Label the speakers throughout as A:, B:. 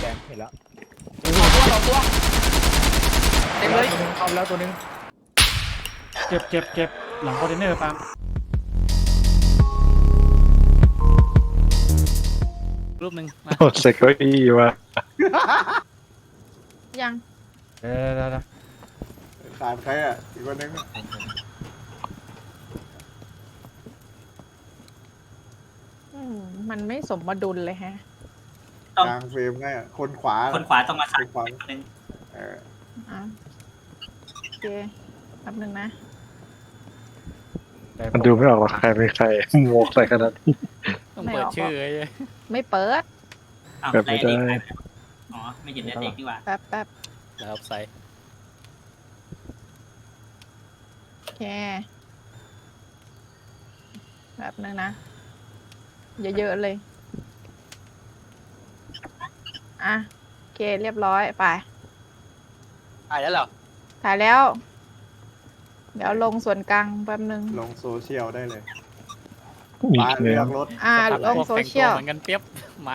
A: แดงเห็นแล้ว
B: สองตัวเต็มเลย
A: เข้าแล้วตัวนึงเจ็บหลังคอนเทนเนอร์ปาล์ม
B: รูปหนึ่ง
C: โอ้เซ็กเก้าอี้ว่ะ
D: ยัง
A: เดี๋ยว
E: ขาดใครอ่ะอีกคนนึง
D: มันไม่สมดุลเลยฮะ
E: กลางเฟรมไงคนขวา
F: คนขวาต้องมา
E: ค
F: ขัด
E: นขวา
F: คนหนึง
E: เออ
D: อ่ะโอเคแป๊บนึงนะ
C: มันดูไม่ออกว่าใครเป็นใครหมวกใส่ขนาดนี้
B: ต้องเปิดชื่อไอ้
D: ไม่เปิด
F: อ้าว
C: แบบไม่
F: ไล่
C: ได้
F: เด็กอ๋อไม่เห็นเด็กนี่หว่า
D: แป๊บ
B: แล้วใส่
D: โอเคแป๊บนึงนะเยอะๆเลยอ่ะโอเคเรียบร้อยไป
B: ถ่ายแล้วเหรอ
D: ถ่ายแล้ว เดี๋ยวลงส่วนกลางแป๊บนึง
E: ลงโซเชียลได้เลย
C: มี
E: มา
C: เนื้
E: เลื
C: อ
E: อกรถ
D: ลงโซเชียล
B: เหมือนกันเปียบไม่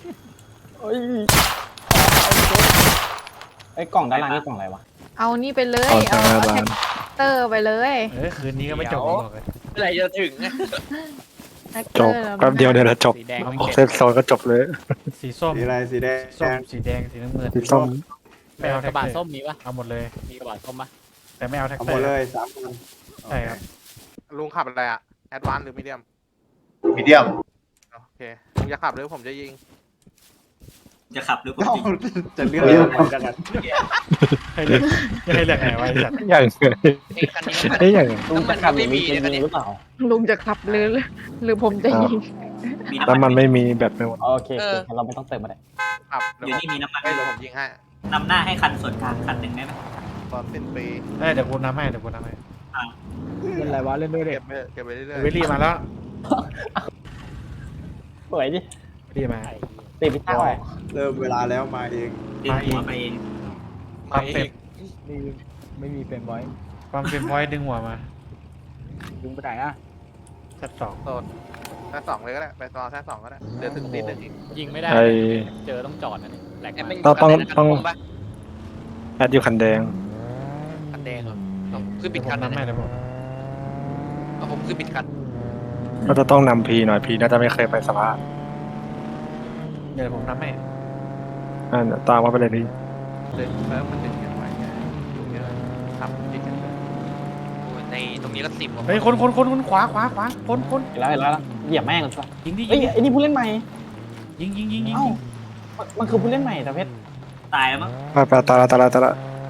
A: ไอ้กล่องด้านล่างนี่กล่องอะไรวะ
D: เอานี่ไปเลย
C: ตอนทา
D: เอา
C: งหน้า
D: แท็
C: บ้าน
D: กเตอร์ไปเลย
A: คืนนี้ก็ไม่จบบอกเลย
B: เมื่อไหร่จะถึง
D: แท็ก
C: จ
D: เตอบ ร์
C: แป๊บเดียวเนี่ยแหละจบ
B: สีแดง
C: เซฟโซนก็จบเลย
A: สีส้ม
E: สีอะไรสีแดง
A: ส้มสีแดงสีน้ำเงิน
C: สีส้ม
A: ไม่เอา
B: ก
A: แท็
B: ระ
A: ก
B: บะ
A: เตอร์
B: ส้มมีปะ
A: เอาหมดเลย
B: มีกระบะส้มปะ
A: แต่ไม่เอาแท็ก
E: เอา
A: เต
E: ห
A: อ
E: มด
A: ร์
E: เลย3 คน
A: ใช่ครับ
G: ลุงขับอะไรอะแอดวานซ์หรือมีเดียม
H: มีเดียม
G: โอเคลุงจะขับหรือผมจะยิง
F: จะขับหรือผม
E: เอ้า
F: จริง
E: จะเลือกอะไรกัน
A: ให้เลือกให้เลือกไหนไว้จัด
C: อย่าง
B: ไอ้คันนี้
C: ไอ้อย่าง
A: ลุงจะขับไม่มีหรือเปล่า
D: ลุงจะขับหรือผมจะยิง
F: มี
C: ถ้า
F: น้ำ
C: มั
F: มัน น
C: ไม่มีแบบไม่หมด
A: โอเคเราไม่ต้องเติมมาได้
G: ขับ
F: อยู่นี่มีน้ำมัน
G: เดี๋ยวผมยิงให้
F: นำหน้าให้คันส่วนกลางคันหนึ่งได้ไหม
G: ตอนสิ้นปี
A: ได้เดี๋ยวกูนำให้เดี๋ยวกูนำให้
E: เล่นอะไรวะเล่นด้วยเด็
G: เก็บไปเรื่อย
A: วิลลี่มาแล้วสวยดิวิลลี่มาตีพิต้า
E: เริ่มเวลาแล้วมาเอง
F: ดึงหัวไปเอง
G: ๆ
A: ความเป็ด
E: ไม่มีเป็นไว้
A: ความเป็นพอยดึงหัวมา
E: ดึงไปไหนอ่ะ
A: ชัดสอง
G: โซนแค่สองเลยก็ได้ไปตอนแค่สองก็ได้เดี๋ยวถึงตีนเดี๋ยวยิง
B: ยิงไม่ได้
C: ไอ้
B: เจอต้องจอดนะนี่แหลกมา
C: ต้องแอดอยู่คันแดง
B: คันแดงเหรอ
A: คือปิดคันนำให้เดี๋ยวผม
B: ผมคือปิดคัน
C: ก็จะต้องนำพีหน่อยพีน่าจะไม่เคยไปสภา
A: เดี๋ยวผมนำให้
C: ตามมาไปเลยพี่
G: เดินแล้วมันดึงกันไว้ไงอยู่เนี่ยขับยิงกันเลย
B: ในตรงนี้ก็สิบ
A: เฮ้ยคนขวาคน
I: แล้วเหยียบแม่งกันชัวร์
A: ยิงดิ
I: เอ้ยไอ้นี่ผู้เล่นใหม่
A: ยิง
I: เอ้ามันคือผู้เล่นใหม่แต่เพชร
F: ตายแล้วมั้ง
C: ไปตาละ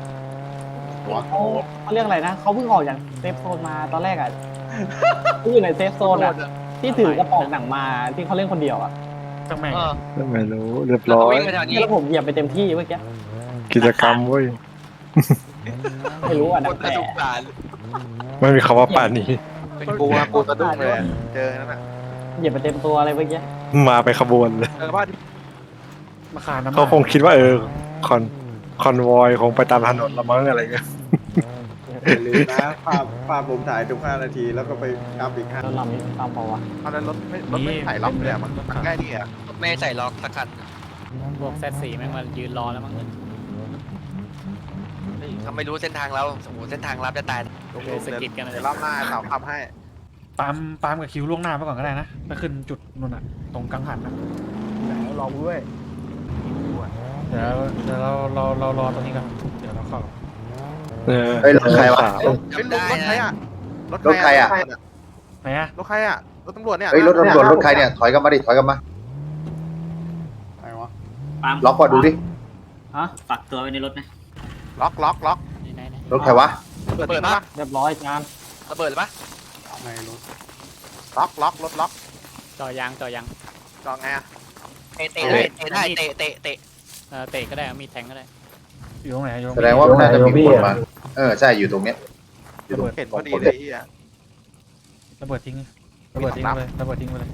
I: เขาเรียกอะไรนะเขาเพิ่งออกจากเซฟโซนมาตอนแรกอ่ะ ที่อยู่ในเซฟโซนอ่ะที่ถือกระป๋องหนังมาที่เขาเล่นคนเดียวอ่ะ
A: จังแม่ง
C: ไม่รู้เรียบร้อย
I: แล้วผมเหยียบไปเต็มที่เมื่อกี้
C: กิจกรรมเว้ย
I: ไม่รู้อ่ะดังแต่
C: ไม่มีคำว่าป่านนี้
G: เป็นกูอะกูสะดุ้งเลยเจอนั่นน่ะ
I: เหยียบไปเต็มตัวอะไรเมื่อกี้
C: มาไปขบวนเลย
G: เจอบ้าน
A: มาขาน้ำ
C: เขาคงคิดว่าคอนวอยคงไปตามถนนละมั้งอะไรเงี้ย
E: อย่าลืมนะภาพผมถ่ายทุก5 นาทีแล้วก็ไปอัพอีก
I: รถลำนี้ตามเปล่าวะ
G: ตอนนั้นรถไม่ถ่ายล็อกเลยอะมันใกล้นี่อะ
B: ไม่ใส่ล็อกสักคันพวกแซดสี่แม่งมายืนรอแล้วมั้ง
J: เขาไม่รู้เส้นทางเราสมมติเส้นทางลับจะตาย
G: ลุง
B: เลยสะกิดกันเลย
G: เดี๋ยวรอบหน้าเสาขับให้
A: ปามกับคิวล่วงหน้าไปก่อนก็ได้นะไปขึ้นจุดนู่นน่ะตรงกังหันนะ
E: แล้วรอด้วย
A: เดี๋ยวเรารอตรงนี้ก่อนเดี๋ยวเราเข้า
H: เฮ้ยรถใครวะ
G: เป็นลุงรถใครอะ
H: รถใครอะ
A: ไหนอะ
G: รถใครอะรถตำรวจเนี่ย
H: เฮ้ยรถตำรวจรถใครเนี่ยถอยกลับมาดิถอยกลับมา
E: อะไรวะ
F: ปาล์ม
H: ล็อกก่อนดูดิ
F: ฝากตัวไว้ในรถนะ
G: ล็อก
H: รถใครวะ
G: เปิดปะ
I: เรียบร้อยจาน
J: ระเบิดปะ
E: ในรถ
G: ล็อกรถล็อก
B: จอยาง
G: จองไงอะ
J: เตะได้เตะ
B: เตะก็ได้มีแทงก็ได้
A: อยู่ตรงไหนอยู่ตรง
H: แสดงว่าน่าจะมีคนมาใช่อยู่ตรงเนี้ยอยู่ตรง
G: เห็นพอดีเลยที่อะ
A: ระเบิดทิ้งระเบิดทิ้งไปเลยระเบิดทิ้งไปเลย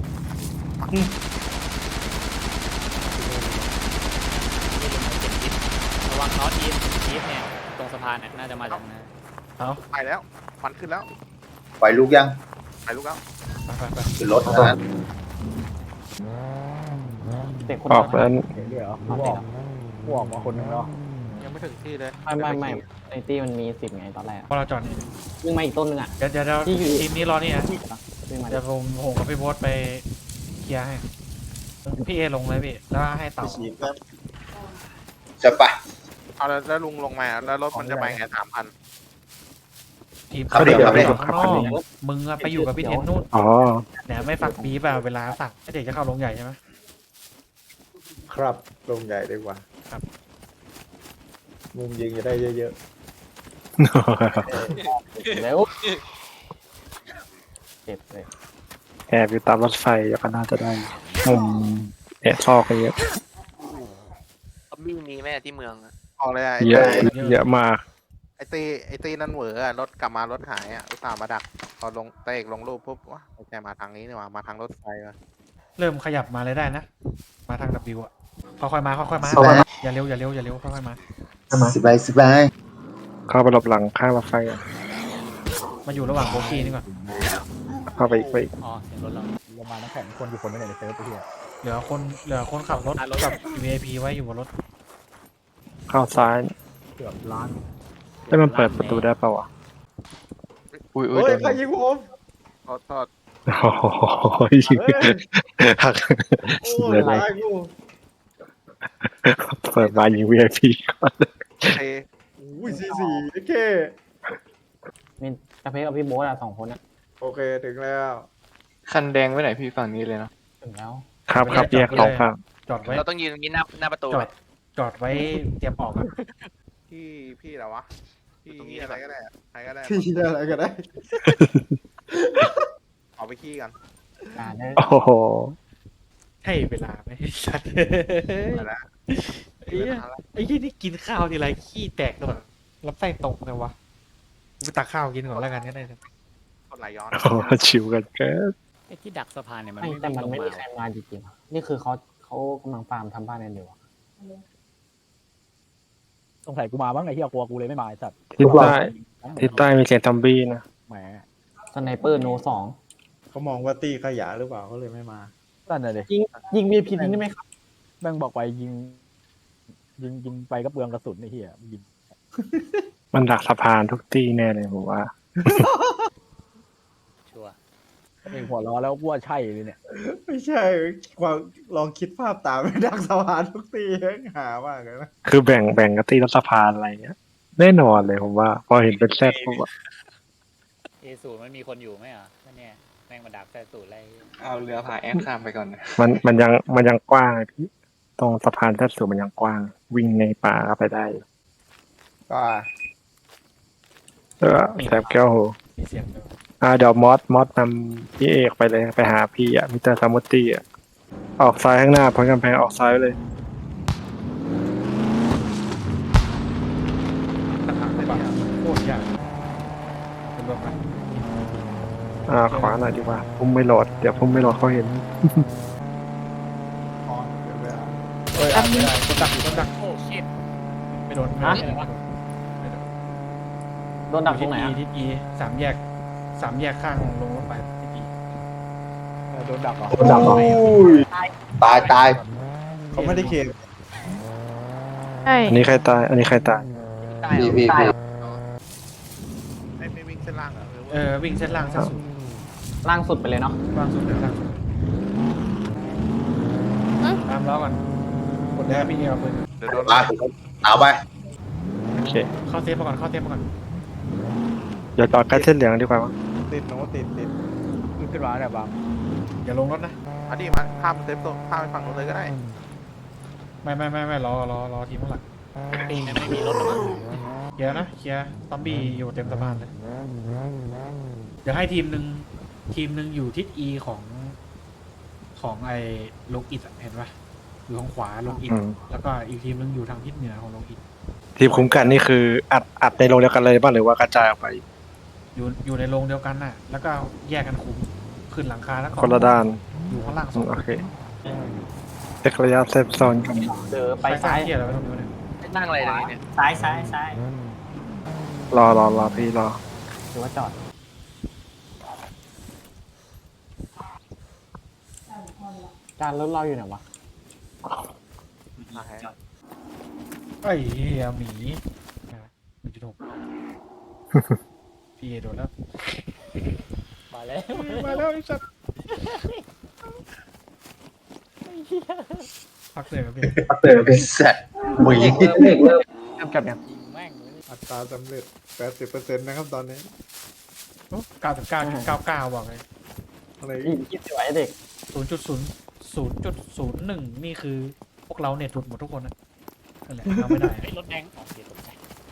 B: ระวังน็อตอีฟเนี่ยตรงสะพานเนี่ยน่าจะมาจากนั้น
G: ไปแล้วมันขึ้นแล้ว
H: ไฟลุกยัง
G: ไปลูกแล้ว
A: ไป
H: ขึ้นรถนะ
I: เตะคน
C: ออกแล้ว
E: เห็นด้วยเหรอ
I: เอาเตะกูออกมาคนนึงแล้ว
G: ยังไม่ถึงที่เลย
I: ไม่ในตี้มันมี10ไงตอนแรก
A: พอเราจอดนี่
I: วิ่งมาอีกต้นนึงอ่ะ
A: เดี๋ยว
I: ที่อยู่
A: ทีมนี้รอนี่นะ
I: วิ่งมา
A: เดี๋ยวผมกับพี่โบ๊ทไปเคลียร์ให้พี่เอลงเลยพี่แล้วให้
E: ไป
A: เต่า
E: ฉีดแป๊บ
H: จะไป
G: เอาแล้วลุงลงมาแล้วรถมันจะไปไง3,000
A: ทีม
H: ครับเดี๋ยวครับ
A: ข้างนอกมึงอะไปอยู่กับพี่เทนนู่น
C: อ๋อ
A: เนี่ยไม่ฝักบีบอะเวลาฝักไอเด็กจะเข้าลงใหญ่ใช่ไหม
E: ครับลงใหญ่ดีกว่า
A: ครับ
E: มุมยิงจะได้เยอะ
I: เร็วเจ็บเลย
C: แอบอยู่ตามรถไฟก็น่าจะได้มุมแอบซอกกันเยอะ
J: ซอมบี้มีแม่ที่เมืองอะ
G: ออกเลยอะ
C: เยอะเยอะมาก
G: ไอตีนั่นเหวออะรถกลับมารถหายอ่ะอุตส่าห์มาดักพอลงเตะลงรูปปุ๊บวะไม่ใช่มาทางนี้นี่หว่ามาทางรถไฟว่ะ
A: เริ่มขยับมาเลยได้นะ มาทาง W อะค่อยๆมาค่อยๆมาอย่าเร็วค่อยๆมา
H: สบายสบาย
C: เข้าไปหลบหลังข้างรถไฟอะ
A: มาอยู่ระหว่างโบกี้นี่ก่อน
C: เข้าไปอีก
B: อ๋อเสียงรถเรา
I: ลงมาน้ำแข็งคนอยู่คนนึงในเซิร์ฟไปเที่ย
A: เหลือคนขับรถกับ VIP ไว้อยู่บนรถ
C: เข้าซ้าย
I: เกือบล้าน
C: แล้วมันเปิดประตูได้เปล่าวะ
E: ๆเฮ้ยใครยิงผม
G: โทษ
C: โอ้โหยิงหัก
E: โอ้ยตายกู
C: เปิดมายิง VIP ก่อน
G: เตะ
E: อุ้ย44โอเค
I: มีกระเพาะกับพี่โบ๊ทอะ2 คนอะ
E: โอเคถึงแล้ว
G: คันแดงไว้ไหนพี่ฝั่งนี้เลยนะ
I: ถึงแล้ว
C: ครับแยกสองฝั่ง
A: จอดไว้
J: เราต้องยืนตรงนี้หน้าประตู
A: จอ
J: ไหม
A: ดจอดไว้เตรียมออกอะ
G: พี่เหรอวะพี่
J: ตรงนี้
G: อะไรก็ได้อะใครก็ได้
E: พี่ได้อะไรก็ได้
G: เอาไปขี้กัน
I: ได้
C: โอ้โห
A: ใช่เวลาไหมสัตว์
G: ไปแล้ว
A: ไอ้เหี้ยไอ้ยี่นี่กินข้าวทีไรขี้แตกตลอดรับไส้ตกเลยวะกูไปตักข้าวกินก่อนแล้วกันก็ได้นะ
G: คนไหลย้อน
C: โอ้โหชิวกันเกิน
B: ไอ้ที่ดักสะพานเนี่ยมัน
I: ไม่
B: ไม่
I: แต่มันไม่
B: ลง
I: มีใครมาจริงๆนี่คือเขากำลังฟาร์มทำบ้านกันอยู่สงสัยกูมาบ้างไอ้ที่กลัวกูเลยไม่มาไอ้สัตว์
C: ทิศใต้มีเสียงซอมบี้นะ
I: แหมสไนเปอร์โน2
E: เขามองว่าตี้ขยะหรือเปล่าเขาเลยไม่มา
I: นั่นเลยยิง VIP ทิ้งได้ไหมครับแม่งบอกไปยิงไปก็เปลืองกระสุนไอ้เหี้ยยิง
C: มันดักสะพานทุกที่แน่เลยผมว่า
B: ชัวร์
I: เองหัวล้อแล้วกูว่าใช่เลยเนี่ย
E: ไม่ใช่ความลองคิดภาพตามไม่ดักสะพานทุกทีหามากเลยนะ
C: คือแบ่งกันตีรัฐสะพานอะไรเงี้ยแน่นอนเลยผมว่า พอเห็นเป็นแซดผมว่า
B: A0มันมีคนอยู่ไหมอ่ะไม่แน่แม่งมาดักแซ่สูตรอะไร
G: เอาเรือพาแอดข้ามไปก่อนนะ
C: มันยังกว้างไงพี่ตรงสะพานแซดสูงมันยังกว้าง วิ่งในป่าก็ไปได้
E: ก็
C: แซบแก้วโห
A: มีเสียงด้วย
C: เดี๋ยวมอสนำพี่เอกไปเลยไปหาพี่อ่ะมิสเตอร์ซามุตตี้อ่ะออกซ้ายข้างหน้าพ้นกำแพงออกซ้ายไปเลย
A: ตักข้าวไปโคตรยากเป็นรวมกัน
C: ขวาหน่อยดีกว่าพุ่มไม่โหลดเดี๋ยวพุ่มไม่โหลดเขาเห็น
E: ออนเดี๋ยวไปเอา
A: เอ้ยไม่ได้คนดักคนดัก
B: โอ้ชิต
A: ไม่โดน
I: ฮะ
A: ไม่โดน
I: โดนดักตรงไหนอะ
A: ทิศ E สามแยกข้างลงรถไฟทิศ E
I: โดนดักเหรอ
H: ตาย
E: เขาไม่ได้เขต
D: ใช่
C: อันนี้ใครตาย อันนี้ใครตาย
J: ได้
H: พี่
J: เหรอ
G: ไม่วิ่งเส้นล่างเหรอหรือว่า
A: วิ่งเส้นล่างเส้นสุด
I: ล่างสุดไปเลยเนาะ
A: ล่างสุดเลยล่างสุดตามล้อก่อนกดได้พี่เอาปืน
G: เดี๋ยวโดน
H: ไปเอาไป
C: โอเค
A: เข้าเซฟมาก่อนเข้าเซฟมาก่อน
C: เดี๋ยวจอดใกล้เส้นเหลืองดีกว่ามั้ง
E: ติดโน้ตติด
I: ขึ้นมาเนี่ยบาง
A: อย่าลงรถนะ
G: อันนี้มาข้ามเซฟโซนข้ามไปฝั่งนู้นเลยก็ได้
A: ไม่รอทีมข้างหลัง
B: ปีนั้นไม่มีรถหรอมั้ง
A: เคลียร์นะเคลียร์ซอมบี้อยู่เต็มสะพานเลยเดี๋ยวให้ทีมหนึ่งอยู่ทิศ E ของไอ้ลงอิดเห็นปะอยู่ทางขวาลงอิดแล้วก็อีกทีมหนึงอยู่ทางทิศเหนือของลงอิด
C: ทีมคุ้มกันนี่คืออัดในโรงเดียวกันเลยบ้างหรือว่ากระจายออกไป
A: อยู่ในโรงเดียวกันน่ะ แล้วก็แยกกันคุมขึ้นหลังคาแล้วก็
C: คนละด้าน
A: อยู่ข้างล่างสอง
C: โอเคเช็คระยะเซฟโซนกัน
I: เจอไปซ้าย
A: เที่ยอะไรไว้ตรงนี้วะเนี่ย
J: นั่งอะไรตรงนี้เนี่ย
F: ซ้าย
C: รอพี่รอ
I: หรือว่าจอด จานรถเราอยู่ไหนวะ
F: จอด
A: ไอ้เหี้ยหมี1.6 พี่โดนแล้ว
B: มาแล้ว
A: มาแล้วไอ้สัตว์พักเสียงกับพี่
H: สัตว์หมี
I: กับเนี่ย
B: ยิงแม่งเลย
E: อัตราสำเร็จ 80%นะครับตอนนี้
A: 99.99บอกเลย
E: อะไร
I: คิดไว้เด็ก
A: 0.01นี่คือพวกเราเน็ตหลุดหมดทุกคนนะนั่นแหละเราไม่ได้
B: เฮ้ยรถแดงอ๋อเสียตกใจ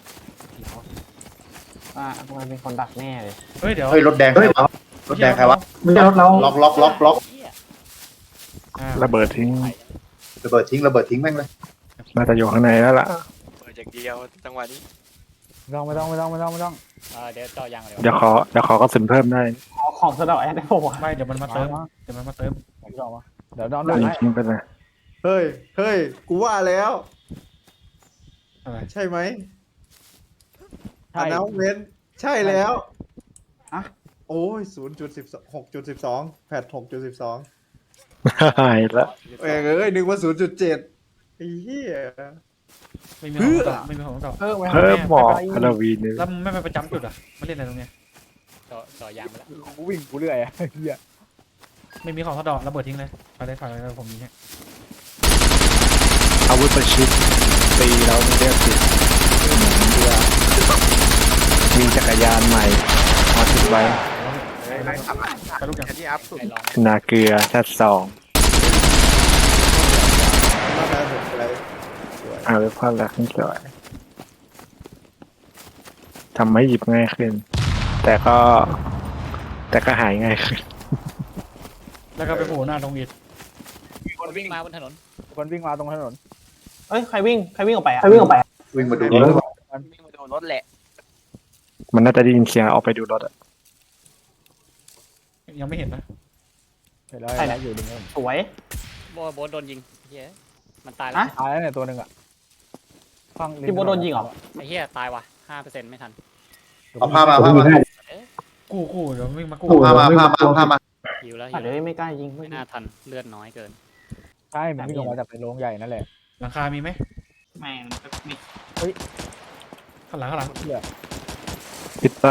I: มันเป็นคนดักแน่เลย
A: เฮ้ยเดี๋ยว
H: เฮ้ยรถแดงใครวะรถแดงใครวะ
C: ไม่ใช่รถเรา
H: ล็อก
B: เหี้ย
C: ระเบิดทิ้ง
H: ระเบิดทิ้งแม่งเลย
C: น่าจะอยู่ข้างในแล้วล่ะ
J: เปิดอย่างเดียวจังหวะนี้
I: ไม่ต้อง
B: เดี๋ยวเจาะยางเลย
C: เดี๋ยวขอกระสุนเพิ่มได้
I: ของสะดอกแอดได้ป่าวะ
A: ไม่เดี๋ยวมันมาเติมเดี๋ยวมันมาเติม
I: เดี๋ยวน้อง
C: ยิงทิ้งไปเลย
E: เฮ้ย กูว่าแล้ว
A: อะไร
E: ใช่ไหมอันนั้นเว้นใช่แล้ว
I: อะ
E: โอ้ย 6.12 แพท 6.12
C: หายละ
E: นึกว่า 0.7 ไอ้เหี้ย
A: ไม่มีของต่อไม่มีของต่อ
I: เพิ่ม
C: เพิ่มหมอกฮาโลวีนเลย
A: แล้วไม่ไปประจำจุดอ่ะมาเล่นอะไรตรงเนี้ย
B: เจาะยางไปแล้ว
I: กูวิ่งกูเรื่อยอ่ะเฮีย
A: ไม่มีของทอดดอกระเบิดทิ้งเลยไปเลยฝ่ายเลยผมมีเนี่ย
C: อาวุธประชิดตีเราไม่ได้ติดมีจักรยานใหม่มาติดไว้
A: ไปลูกอย่าง
G: แค่ที่อัพสุด
B: ใครลอง
C: นาเกลือชัด2
E: น่าจะสุดอะไรสวย
C: เอาไว้พ่อละนี่สวยทำให้หยิบง่ายขึ้น แต่ก็หายง่ายขึ้น
A: แล้วก็ไปโผล่หน้าตรงอิฐ
B: มีคนวิ่งมาบนถนน
I: คนวิ่งมาตรงถนนเอ้ยใครวิ่งออกไปอ่ะวิ่งมาดูรถ
J: วิ่งมาโดนรถแหละ
C: มันน่าจะได้ยินเสียงออกไปดูรถอะ
A: ยังไม่เห็นนะ
I: ใช่แล้วอยู่ดึงสวย
B: โบนโดนยิงเหี้ยมันตายแล้ว
I: ตายแล้วเนี่ยตัวหนึ่งอ่ะพี่โบโดนยิงเหรอ
B: ไอ้เหี้ยตายว่ะ 5% ไม่ทัน
H: เอาผ้ามา
A: กู้เดี๋ยววิ่งมากู้
H: ผ้ามา
B: หิวแล้ว
I: เดี๋ยวไม่กล้ายิง
B: ไม่น่าทันเลือดน้อยเกิน
I: ใช่มันวิ่งออกมาจากเป็นโรงใหญ่นั่นแหละ
A: หลังคามีไหม
F: ไม่ไม่
A: ข้างหลัง
C: ปิดใต้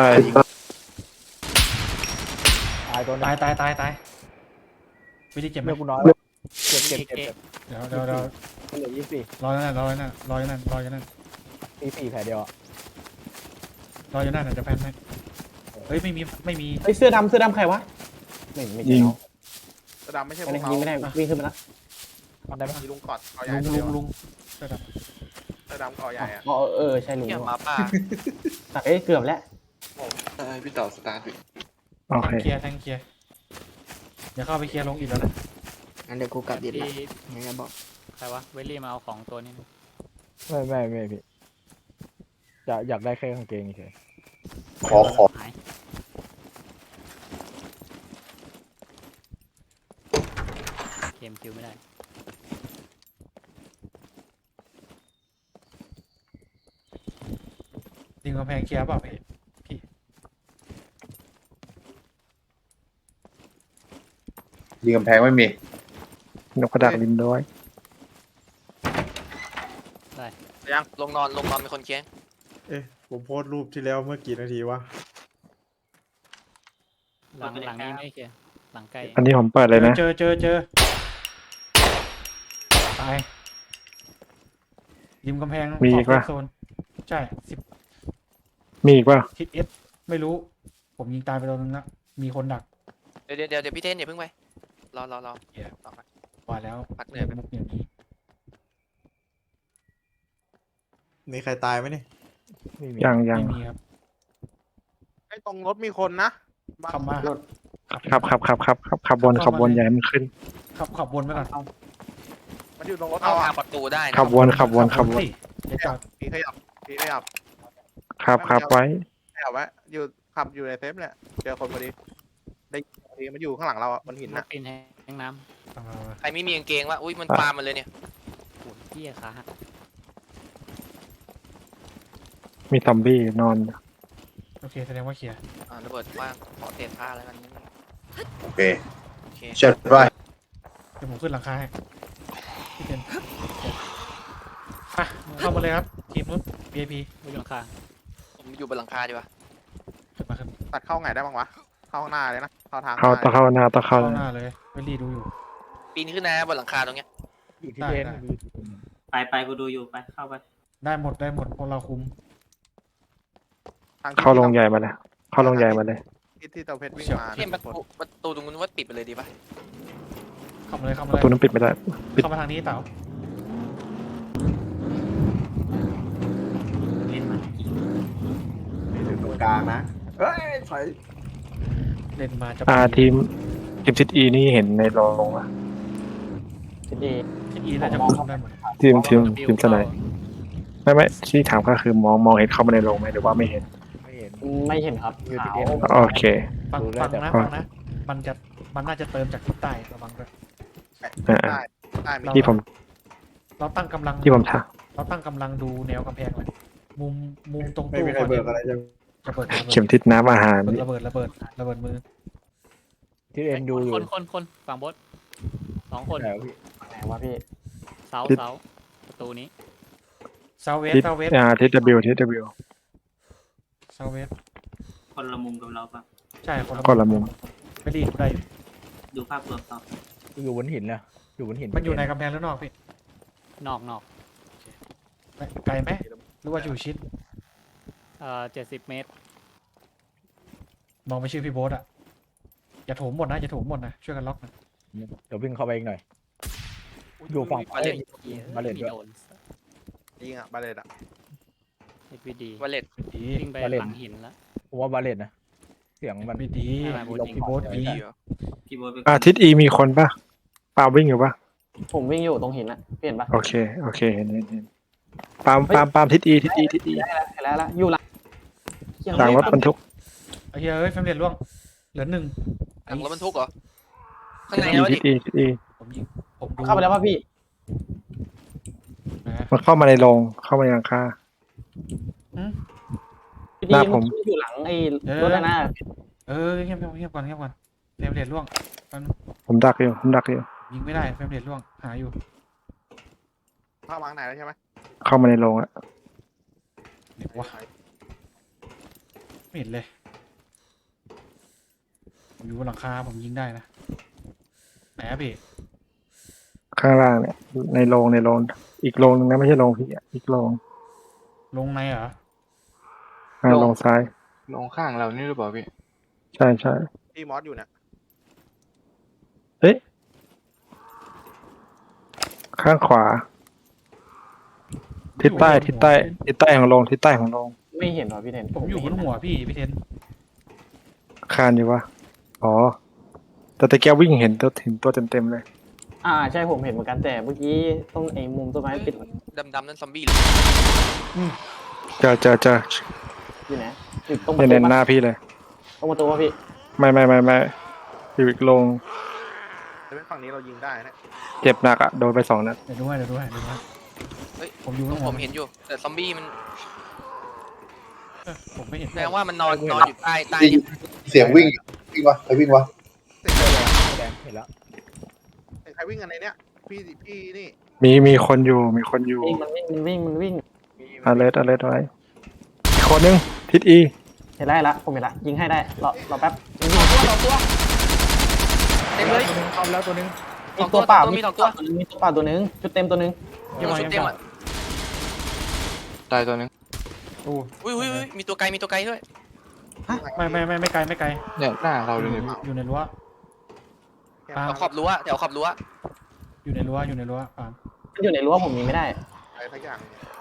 I: ตายตัว
A: ตายวิธีเจ็บไหม
I: เลือดกูน้อยเจ็บ
A: เดี๋ยว
I: เหลือ24
A: รออยู่นั่นรออยู่นั่น
I: 4แผลเดียวอ่ะ
A: รออยู่นั่นจะแพนให้เฮ้ยไม่มี
I: เฮ้ยเสื้อดำใครวะไม่ใช่
C: ยิง
I: น้อง
G: กระดำไม่ใช่พ
I: ไม่
G: ว
I: ได้
G: ก
I: ยิงไม่
G: เรา
I: ได้วิ่งขึ้นมานะ
A: ได้ปะ
G: มีลุงกอดเกาะใหญ่
A: ลุง
G: กระดำเกาะใหญ่อะ
I: อ๋อใช่ลุง
J: เหี้ยหมาป่า
I: เอ้ยเกือบแล้ว
H: พี่ต่อสตาร์ท
C: โอเค
A: เคลียร์แทงเคลียร์เดี๋ยวเข้าไปเคลียร์ลงอีกแล้วนะ
I: งั้นเดี๋ยวกูกลับดิ
B: ที่
I: งั้นบอก
B: ใครวะ เวลลี่มาเอาของตัวนี้นะ
I: ไม่พี่อยากได้แค่กางเกงเฉย
H: ขอ
B: หายเกมคิวไม่ได้
A: ดึงกำแพงเคลียร์เปล่าพี่
H: ยิงกำแพงไม่มี
C: นกกระดาษลินด้วย
J: ยังลงนอนเป็นคนเคียง
E: ผมโพสต์รูปที่แล้วเมื่อกี่นาทีวะ
B: หลังนี้ไม่เคลียร์หลังใกล้
C: อันนี้ผมเปิดเลยนะ
A: เจอตายริมกำแพง
C: มีอีกปะ
A: โซนใช่10
C: มีอีกป่ะ
A: ทิศเอสไม่รู้ ผมยิงตายไปตัวนึงละมีคนดัก
J: เดี๋ยวพี่เทนอย่าเพิ่งไปรอต่อไป
A: ว่าแล้ว
J: พักเหนื่อยไป
A: มุกอย่างนี้
E: มีใครตายไหมเนี่ย
C: ยัง
A: ไม่มีครับ
G: ไอ้ตรงรถมีคนนะ
A: ขับมา
C: ขับบนอย่าให้มันขึ้น
A: ขับวนไปก่อน
G: มันอยู่ตรงรถ
J: เข้า
G: เรา
J: ทา
G: อะ
J: งประตูได้นะ
C: ขับวน
A: เฮ้ยเดี๋ยวจอด
G: พี่ขยับขยับ
C: ขับไว้
G: ขยับไว้ขับอยู่ในเซฟเนี่ยเจอคนพอดีได้พอดีมันอยู่ข้างหลังเราอะบนหิน
B: นั
G: น่ะ
B: กปีนแห้งน้
J: ใครไม่มีกางเกงวะอุ้ยมันปามันเลยเนี่ย
B: ำโอ้ยเหี้ยขาหัก
C: มีซอมบี้นอน
A: โอเคแสดงว่าเคลียร์
J: ระเบิดว่างขอเศษผ้าแล้วกัน
H: โอเค
J: โอเค
H: เชิญไป
A: เดี๋ยวผมขึ้นหลังคาให้พี่เจนอ่ะเข้ามาเลยครับทีมนู้น VIP
B: บนหลังคา
J: ผมอยู่บนหลังคาดีกว่า
A: ขึ้นมาขึ้น
G: ตัดเข้าไงได้บ้างวะเข้าข้างหน้าเลยนะเข้าทาง
C: เข้าต้องเข้าหน้าต้องเข้า
A: เข้าหน้าเลยเวลี่ดูอยู่
J: ปีนขึ้นนะบนหลังคาตรงเนี้ย
E: อยู่ที่เดน
F: ไปกูดูอยู่ไปเข้าไป
A: ได้หมดพวกเราคุม
G: ทาง
C: เข้าลงใหญ่มาเลยเข้าลงใหญ่มาเลย
G: ที่เตาเพชรวิ่งมา
J: เทียนประตูตรงนู้นว่าปิดไปเลยดีป่ะ
A: เข้ามาเลยเข้ามา
C: ป
A: เล
C: ระ
A: ย
C: ตูนั้นปิดไม่ได้
A: เข้ามาทางนี้เต๋า
F: เล่นมันอีก
E: อยู่ตรงกลางนะเฮ้ยถอย
A: เล่นมาจะ
C: ทีมทิศอีนี่เห็นในโรงอะ
I: ทีดี
A: ที่อีน่าจะคุมได้หมด
C: ทีมสไนไม่ที่ถามก็คือมองเห็นเข้ามาในโรงไหมหรือว่าไม่เห็น
I: ไม่เห็นครับขาว
C: โอเค
A: ฟังนะมันน่าจะเติมจากทิศใต้ระวังด้วย
G: ได้ได้มี
C: ที่ผม
A: เราตั้งกำลัง
C: ที่ผมถาม
A: เราตั้งกำลังดูแนวกำแพงเลยมุมตรง
E: ไม่
A: ตู้
E: มีใครเบิกอะไรจะ
A: จะเปิด
C: เข็มทิศน้ำอาหาร
A: ระเบิดมือ
E: ที่เอ็นดูอยู่
B: คนฝั่งบด2 คน
E: ไหนวะพี่
I: ไหนวะพี่
B: เสาประตูนี้
A: เซาเวส
C: ทิศ
A: เซาเวส
C: ทิศ W
A: เซาเวส
F: คนละมุมกับเราปะ
A: ใช่
C: คนละมุม
A: ไม่รีกูได้อยู่
F: ดูภาพรวมต่อ
E: อยู่บนหินนะอยู่บนหิน
A: มันอยู่ในกำแพงหรือนอกพี่
B: นอก
A: ไกลไหมหรือว่าอยู่ชิด
B: 70 เมตร
A: มองไปชื่อพี่โบ๊ทอะอย่าโถมหมดนะช่วยกันล็อกนะ
E: เดี๋ยววิ่งเข้าไปอีกหน่อย อยู่ฝั่ง
J: วาเลต
E: บาเลตด้วย
B: โดน
G: ยิงอ่ะบาเลตอ่ะ
B: HVD
J: วาเลต
A: ไม่ดี
B: วิ่งไปหลังหินแล้ว
E: ผมว่าบาเลตนะเสียงมัน
A: ไม่ดี
B: อะไรโบ๊ทยิง
A: พี่โบ๊ทดี
J: ดีเหรอ
F: พี่โบ๊ทไป
C: ทิศ E มีคนป่ะปาล์มวิ่งอยู่ป่ะ
I: ผมวิ่งอยู่ตรงหินอะเห็นปะ
C: โอเคเห็นปาล์มทิศ E
I: เห็นแล้วอยู่หลัง
C: หลังรถบรรทุก
A: ไอ้เฮ้ยแฟมเลียนล่วงเหลือ1
J: หลังรถบรรทุกเหรอข้าง
C: ทิศ
J: ใน
C: E
J: แล้ว
C: ทิ
J: ดิ
C: ศ E
A: ผมยิงผมดู
I: เข้าไปแล้วป่ะพี่
A: นะ
C: มันเข้ามาในโรงเข้ามาในหลังคา
I: พี่
C: ห
I: ดี
C: น้าผม
I: มันอยู่หลังไอ้รถหน้า
A: เงียบก่อนแฟมเลียนล่วง
C: ผมดักอยู่
A: ยิงไม่ได้แฟมเลียนล่วงหาอยู่
G: เข้ามาข้างในแล้วใช่ไหม
C: เข้ามาในโรงอะ
A: เดี๋ยววะไม่เห็นเลยผมอยู่บนหลังคาผมยิงได้นะไหนอะพี่
C: ข้างล่างเนี่ยในโรงอีกโรงนึงนะไม่ใช่โรงพี่อะอีกโรง
A: ลงในเหรอ
C: โรงซ้าย
H: ลงข้างเรานี่หรือเปล่าพี่
C: ใช่
G: ที่มอสอยู่เนี่ย
C: ข้างขวา ทิศใต้ของโรง
I: ไม่เห็นหรอพี่เทน
A: ผมอยู่บนหัวพี่เทน
C: คานอยู่วะอ๋อแต่ตะเกียบวิ่งเห็นตัวเต็มเลย
I: ใช่ผมเห็นเหมือนกันแต่เมื่อกี้ต้องไอ้มุมต้นไม้ปิด
J: ดำนั่นซอมบี้เลย
C: เจอ
I: อยู่ไหนอยู่ตรงประ
C: เน้
I: ตู
C: นหน้าพี่เลย
I: ตรงประตูป่ะพี่
C: ไม่อยู่อีกโรง
G: แต่เป็นฝั่งนี้เรายิงได้นะ
C: เจ็บหนักอะโดนไป2 นัด
A: เดี๋ยวดูให้
J: เฮ้ย
A: ผมอยู่บนหั
J: ผ
A: ว
J: มเห็นอยู่ แต่ซอมบี้มัน
A: ผมไม่เห็น
J: แสดงว่ามันนอนอยู่ใต้เนี่ย
H: เสียงวิ่งวะใครวิ่งวะ
E: แดงเห็นแล้ว
G: ใครวิ่งกันในเนี้ยพี่นี่
C: มีคนอยู่
I: วิ่งมันวิ่ง
C: alert ไว้อีกคนนึงทิศ E
I: เห็นได้ละผมเห็นละยิงให้ได้รอแป๊บ
J: สองตัวเต็มเลย
E: เข้าแล้วตัวนึง
I: มีตัวเปล่า
J: มีสองตัว
I: มีตัวเปล่าตัวนึงชุดเต็มตัวนึง
A: ยังไง
J: ชุดเต็มอ่ะ
H: ตายตัวนึง
J: อุ้ยมีตัวไกลด้วย
A: ไม่ไกล
H: เนี่ยหน้าเราเลยเนี่ยพี่
A: อยู่ในรั้ว
J: แถวขอบรั้ว
A: อยู่ในรั้วปาล์ม
I: มันอยู่ในรั้วผมยิงไม่ได้
G: อะไรสักอย่าง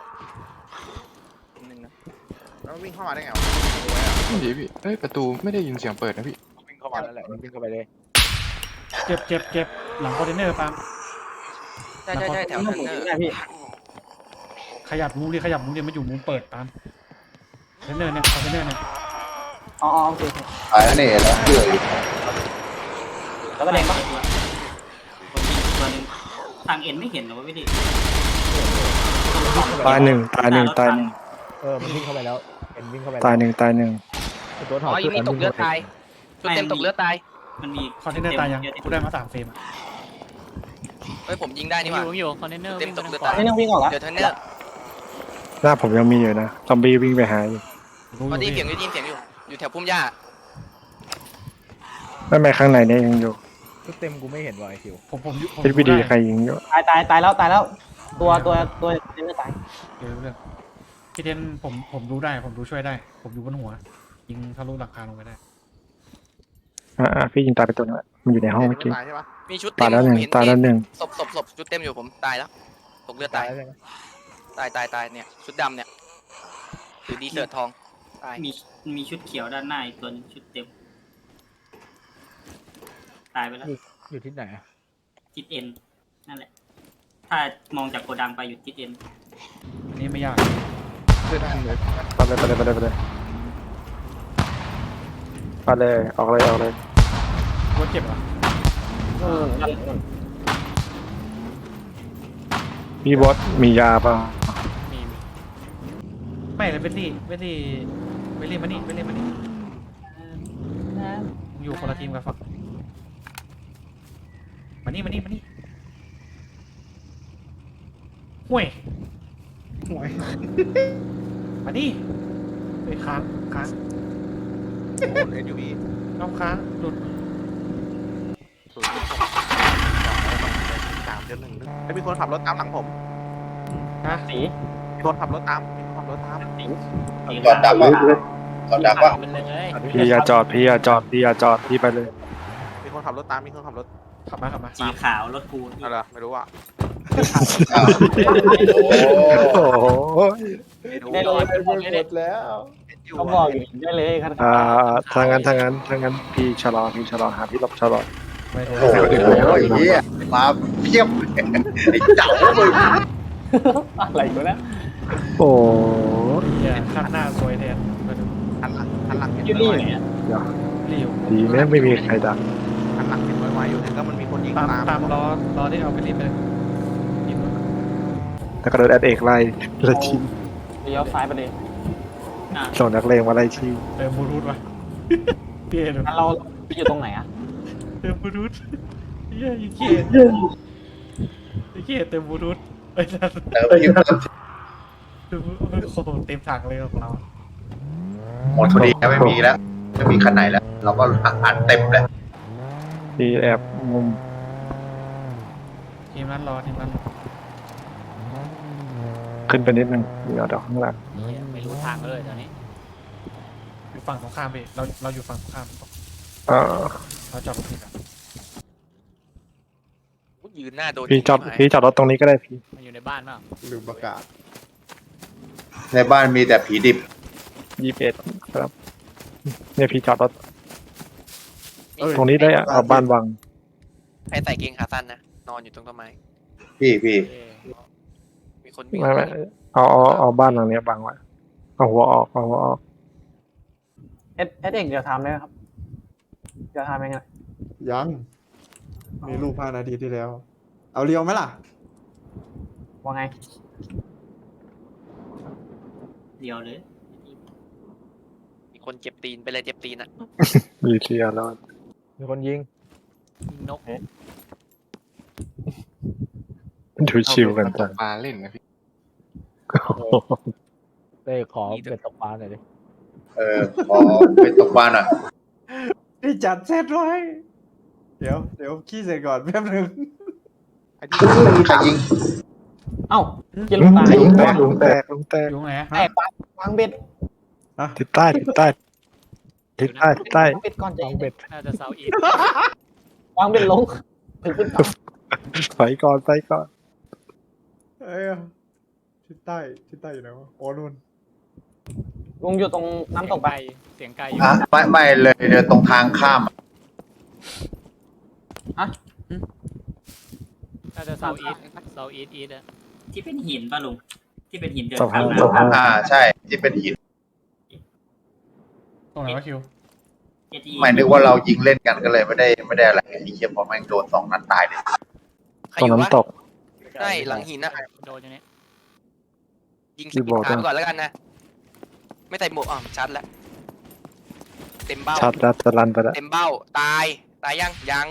J: นึงนะ
G: แล้ววิ่งเข้ามาได้ไงวะ
H: ไม่ดีพี่เอ้ยประตูไม่ได้ยินเสียงเปิดนะพี่
E: วิ่งเข้ามาแล้วแหละมันวิ่งเข้าไปเลย
A: เจ็บหลังคอนเทนเนอร์ปาล์ม
J: ใช่แถวนั้นเนอร์
I: ได้พี่
A: ขยับมุมดิมันอยู่มุมเปิดปาล์มคอนเทนเนอร์เนี่ย
I: อ๋อโอเค
H: ตายแล้วเนี่ยแล้วเพื่ออยู่
I: แล้วก็แดงปะ
F: ตัวนึงทางเอ็นไม่เห็นหรอวะพี่ดิ
C: ตายหนึ่ง
E: มันวิ่งเข้าไปแล้วเอ็นวิ่งเข้าไป
C: ตายหนึ่ง
E: ตัวถอด
J: อีนี่ตกเลือดตายชุดเต็มตกเลือดตาย
F: มันมี
A: คอนเทนเนอร์ตายยังกูได้มา3 เฟรมอะ
J: เฮ้ยผมยิงได้นี่หว่า
B: อยู่คอนเทนเนอร์
J: เต็มตกเลือด
I: นี่นั่งวิ่งออกละ
J: เดี๋ยวเทนเนอร์
C: หน้าผมยังมีอยู่นะซอมบี้วิ่งไปหาอยู่
A: รู้
J: ตอน
A: อ
J: นี้
A: ยู่
J: เสียง
A: พี่
J: อยู่เสียงอยู่อยู่แถวพุ่มหญ้า
C: ไม่ไม่ข้างในเนี่ยยังอยู่
E: เต็มกูไม่เห็นวายคิว
A: ผมอยู่ผม
C: พี
A: รู้
C: พีดี
A: ได้
C: ใครยิงอยู่
I: ตายแล้ว ตัวเล่นไม่ตาย
A: เรื่องพี่เทนผมรู้ได้ผมรู้ช่วยได้ ผมอยู่บนหัว ยิงทะลุหลังคาลงไปได้
C: พี่ยิงตายไปตัวนึงละมันอยู่ในห้องเมื่อกี้
G: ตายใช่ปะ
J: มีชุด
C: ตา
J: เต็
C: ย
J: ม
C: แล้วหนึ่ง
J: ผมเห็น
C: ตายแล้วหนึ่ง
J: ศพชุดเต็มอยู่ผมตายแล้วตกเลือดตายตายเนี่ยชุดดำเนี่ยหรือดีเสิร์ตทองตาย
F: มีชุดเขียวด้านหน้าอีกตัวหนึงชุดเต็ม ตายไปแล้ว
E: อยู่ที่ไหน
F: ทิศเอ็นนั่นแหละ ถ้ามองจากโกดังไปอยู่ทิศเอ็น
A: อันนี้ไม่ยาก
C: ไปเลยออกเลย
A: รถเจ็บเหรอ
C: พี่บอสมียาเปล่า
A: มีไม่เลยเวลลี่มานี่มานี่อยู่คนละทีมกับฝั่งมานี่ห่วยมานี่ไปค้าง
G: โอ้เอ็นยูบี
A: น้องค้างหลุด
G: ไอ้มีคนขับรถตามหลังผม
A: นะ
I: สี
G: มีคนขับรถตาม
H: จอดดักวะจอดดักวะ
B: มันเลย
C: พี่อย่าจอดพี่ไปเลย
G: มีคนขับรถตาม มีคนขับรถ
A: ขับมา
F: สีขาวรถกู
G: อะไรไม่รู้อ่ะ
H: อ้าวโอ้
C: โอ้โห
I: ได้เลย
E: หมดแล้ว
I: เขาบอกอยู่ได้เลยครับ
C: ทางนั้นพี่ชะลอหาพี่หลบชะลอ
A: ไม่ได้
H: โหเหี้ยมาเพียบเลยไอ้เจ๋ามึง
I: อะไรกูนะ
C: โอ้
A: เนี่ยข้างหน้าสวยแทนมาดู
G: หันหลังเห็น
I: ยู
G: ไว
I: รี่อยู่เนี่ย
A: รีว
C: ดีแม่งไม่มีใครดัก
G: หันหลังเห็นไวๆอยู่เนี่ยก็มันมีคนยิง
A: ตามล้อได้เอาไปรีบไปเลยยิงรถ
C: แล้วก็โดนแอดเอกไล่ชิง
I: เลี้ยวซ้ายไปเลย
C: ส่งนักเลงมาไล่ชิง
A: เติมบลูทูธวะพี่เห็น
I: งั้นเราอยู่ตรงไหนอะ
A: เติมบลูทูธเฮียยิงเกียเติมบลูทูธไอ้นั่น
H: เติมอยู่
A: โอ้โหเต็มถังเลยของเรา
H: หมดพอดีไม่มีแล้วไม่มีคันไหนแล้ว เราก็อัดเต็มเลย
C: พี่แอบมุม
A: ทีมนั้นรอ
C: ขึ้นไปนิดนึงเดี๋ยวดอกข้างหลัง
B: ไม่รู้ทางเลยตอนนี้
A: อยู่ฝั่งตรงข้ามพี่เราอยู่ฝั่งตรงข้าม เราจอดรถผิดอ่ะ
J: ยืนหน้าโดน
C: พี่จอดรถตรงนี้ก็ได้พี่
B: มันอยู่ในบ้านเปล่า
E: ลืมประกาศ
H: ในบ้านมีแต่ผีดิบ
C: 21ครับเนี่ยพี่จอดรถตรงนี้ได้อะเอาบ้านวัง
J: ใครใส่เกงขาสั้นนะนอนอยู่ตรงต้นไม้
H: พี่
J: มีคนวิ่ง
C: ไม่เอาบ้านหลังเนี้ยบังไว้เอาหัวออก
I: เอสเอกเดี๋ยวทำได้ไหมครับเดี๋ยวทำยังไง
E: ยัง มีรูป5 นาทีที่แล้ว เอาเรียวไหมล่ะ
I: ว่าไง
F: เดียวเลย
J: มีคนเจ็บตีนไปเลยเจ็บตีนอ่ะ
C: มีเทียร์แล้ว
E: มีคนยิง
B: ยิงนก
C: ดูชิวกันจัง
G: ปลาเล่นนะพี่
E: เต้ขอเป็ดตกปลาหน่อยดิ
H: ขอไปตกปลาหน่อย
E: นี่จัดเซตไว้ เดี๋ยวขี้เสร็จก่อนแป๊บนึง
H: ใครยิง
I: เอ้าเกียร์ลูกตาย
C: ลุงแตก
A: อยู่ไหน
I: แตกวางเบ็ด
C: ทิศใต้
I: วางเบ็ดก่อนใจเย็น
B: น่าจะเซาอีท
I: วางเบ็ดลงถึงขึ้นฝั่ง
C: ไปก่อน
E: เอ้ยทิศใต้อยู่ไหนวะโอ้นู่น
I: ลุงอยู่ตรงน้ำตกไป
B: เสียงไกลอยู่
H: ไม่เลยเดี๋ยวตรงทางข้าม
B: น่าจะเซาอีทอ่ะ
F: ที่เป็นหินป่ะลุง ที่เป็นหินเดิน
C: ตก
F: ข้าม
C: ตก
F: น้ำ
H: ใช่ ที่เป็นหิน
A: ตรงไหนวะคิว
H: ไม่นึกว่าเรายิงเล่นกันก็เลยไม่ได้อะไรไอ้เหี้ยพอแม่งโดน2 นัดตายเลย
J: ใคร
C: ตร
J: อง ยู่วะ
C: น้ำตก
J: ใช่หลังหินนะ
B: โดนอย่างนี้
J: ยิง
C: ที่บอก
J: ขาไปก่อนแล้วกันนะ ไม่ใส่หมวกชัดแล้วเต็มเบ้า
C: ชัดแล้วจะรันไปแล้ว
J: เต็มเบ้าตายยัง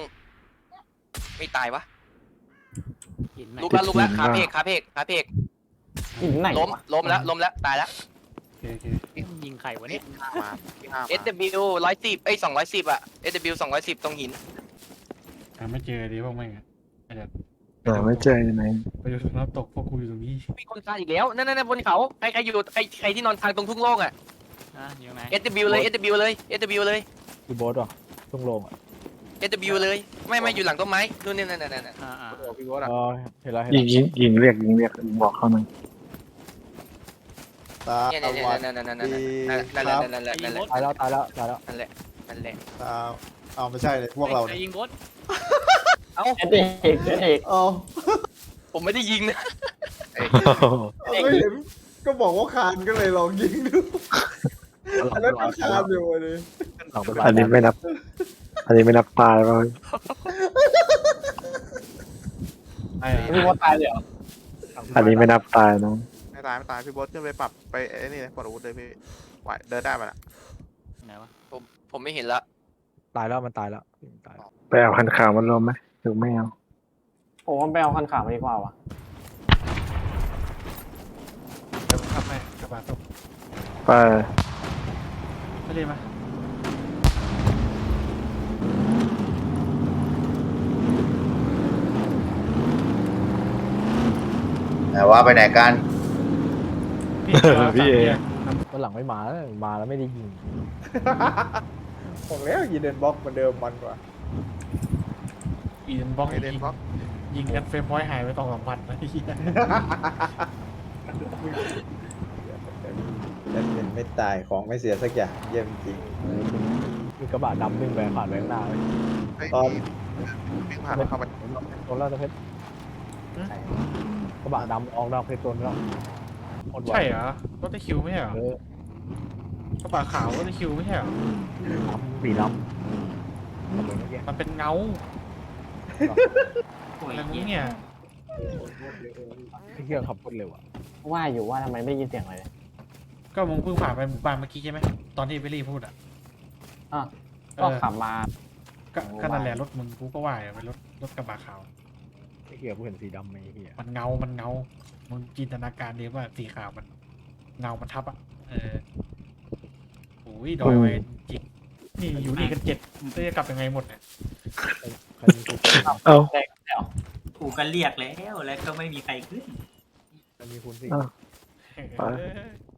J: ไม่ตายวะ
B: หินไหน
J: ลุกแล้วขาเพก
I: หินไหน
J: ล้ม
I: วะ
J: ล้มแล้วล้มแล้วตายแล้ว
A: โอเคโอเค
B: ยิงไข่วะเนี่ย
G: มาที่ห้ามา
J: SW 110210อ่ะ SW 210ตรงหิน
A: หาไม่เจอดิพวกแม่งอะไอ้เดี๋ยว
C: หาไม่เจออยู่ไหน
A: ไปอยู่ตรงน้ำตกพวกกูอยู่ตรงนี้
J: มีคนคานอีกแล้วนั่นบนเขาใครอยู่ใครที่นอนคานตรงทุ่งโล่งอ่ะ
B: อยู่ไหน
J: SW เลย SW เลย SW เลย
I: คือโบสอ่ะทุ่งโลงอ่ะ
J: SW เลยไม่อยู่หลังต้นไม้นู่นนี่นั่น
B: อ่า
G: โอ้พี่โบ๊ทอะ
I: อ๋อเห็นแล้ว
C: ยิงเรียกบอกเขาหน่อย
E: ตา
J: เนี่ย
E: วัด
J: นั่น
E: ดี
J: แห
E: ค
J: ละ
E: รับ
J: นั่นแหละ
I: ตายแล้วตายแล้วตายแล้ว
J: นั่นแหละนั่นแหละ
E: ตาเอาไม่ใช่เลยพวกเรา
B: ใคร
E: เนี่ย
B: ยิงโบส
J: เอ้า
I: เอ็ดเอก
E: เอา
J: ผมไม่ได้ยิงนะ
E: ไม่เห็นก็บอกว่าคานก็เลยลองยิงดูอันนั้นก็คานอยู่เลย
C: อันนี้ไม่นับตายป่ะ
A: ไอ้
I: พี่โบสตายเลยเหรอ
C: อันนี้ไม่นับตายนะ
G: ไม่ตายพี่โบ๊ทขึ้นไปปรับไปไอ้นี่เลยปลดอาวุธเลยพี่ไหวเดินได้มาละ
B: ไหนวะ
J: ผมไม่เห็นละ
I: ตายแล้วมันตายแล้วตาย
C: ไปเอาคันขาวมันรวมไหมหรือไม่เอา
I: ผมว่าไปเอาคันขาวมาดีกว่าวะ
A: เดี๋ยวผมขับให้กระบะตก
C: ไป
A: ไม่เลยมา
H: แต่ว่าไปไหนกัน
A: พี่เอ
I: วันหลังไม่มาแล้วมาแล้วไม่ได้ยิง
E: บอกแล้วยีเดนบล็อกเหมือนเดิมมันกว่า
A: อีเดนบล็อก
G: ไอเดนบล็อก
A: ยิงกันเฟรมพอยต์หายไป2-3 วันนะไอ้เหี้ย
E: เล่นไม่ตายของไม่เสียสักอย่างเยี่ยมจริง
I: มีกระบะดำวิ่งไปผ่านไปข้างหน้าเลย
G: เฮ้ย
E: ตอน
G: วิ่งผ่านเข้าไป
I: โดนแล้วตะเพชรกระบะดำออกดอกเพชรตัวนี้แล้ว
A: ใช่เหรอรถตะคิวไม่ใช่เหรอ
I: เออก
A: ระบะขาวรถตะคิวไม่ใช่เหรอ
I: สีดำ
A: มันเป็นเงา
F: โอ้ย
A: อะไรพวก
F: เหี้
A: นี้
F: ย
A: เนี่ย
I: ที่เครื่องขับรถเร็วอะว่าอยู่ว่าทำไมไม่ยินเสียงเลย
A: ก็มึงเพิ่งผ่านไปหมู่บ้านเมื่อกี้ใช่ไหมตอนที่เบลลี่พูดอ่ะ
I: อ่ะ
A: เอ
I: ก็
A: อ
I: ขับมา
A: ก็นั่นแหละรถมึงกูก็ว่าอยู่เป็นรถกระบะขาว
I: ไอ้เหี้ยกูเห็นสีดำไหมไอ้เหี้ย
A: มันเงามึงจินตนาการดีว่าสีขาวมันเงามันทับอ่ะโอ้ยดอยไว้จริงนี่อยู่นี่กัน7จะกลับยังไงหมดเนี่ย
I: ใครมีคุณ
C: เอา
I: แรกแล้ว
F: กูก็เรียกแล้วก็ไม่มีใครขึ้น
I: ใครมีคุณสิ
A: เออ